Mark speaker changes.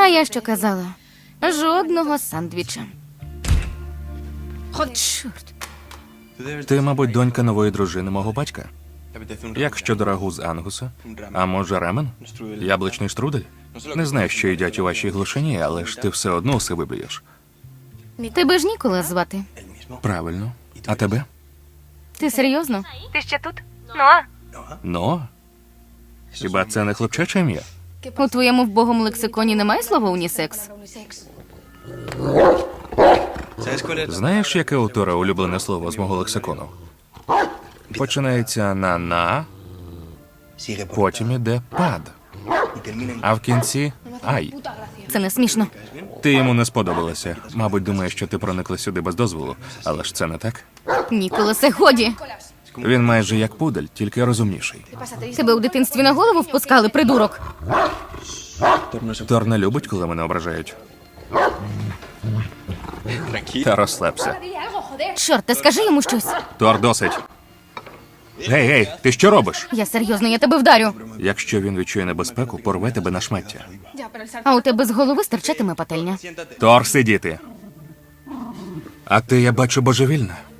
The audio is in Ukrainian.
Speaker 1: А я що казала? Жодного сандвіча. Чорт.
Speaker 2: Ти, мабуть, донька нової дружини мого батька. Як щодо рагу з ангуса? А може рамен? Яблучний штрудель? Не знаю, що їдять у вашій глушині, але ж ти все одно усе виб'єш.
Speaker 1: Тебе ж Нікола звати.
Speaker 2: Правильно. А тебе?
Speaker 1: Ти серйозно?
Speaker 3: Ти ще тут? Ну,
Speaker 2: Ну? Хіба це не хлопчаче ім'я?
Speaker 1: У твоєму вбогому лексиконі немає слова унісекс?
Speaker 2: Знаєш, яке у Тора улюблене слово з мого лексикону? Починається на, потім іде пад, а в кінці ай.
Speaker 1: Це не смішно.
Speaker 2: Ти йому не сподобалася. Мабуть, думає, що ти проникла сюди без дозволу, але ж це не так.
Speaker 1: Ніколасе, годі.
Speaker 2: Він майже як пудель, тільки розумніший.
Speaker 1: Тебе у дитинстві на голову впускали, придурок.
Speaker 2: Тор не любить, коли мене ображають. Та розслабся.
Speaker 1: Чорт, та скажи йому щось.
Speaker 2: Тор, досить. Гей, гей, ти що робиш?
Speaker 1: Я серйозно, я тебе вдарю.
Speaker 2: Якщо він відчує небезпеку, порве тебе на шмаття.
Speaker 1: А у тебе з голови стирчатиме пательня.
Speaker 2: Тор, сидіти. А ти, я бачу, божевільна.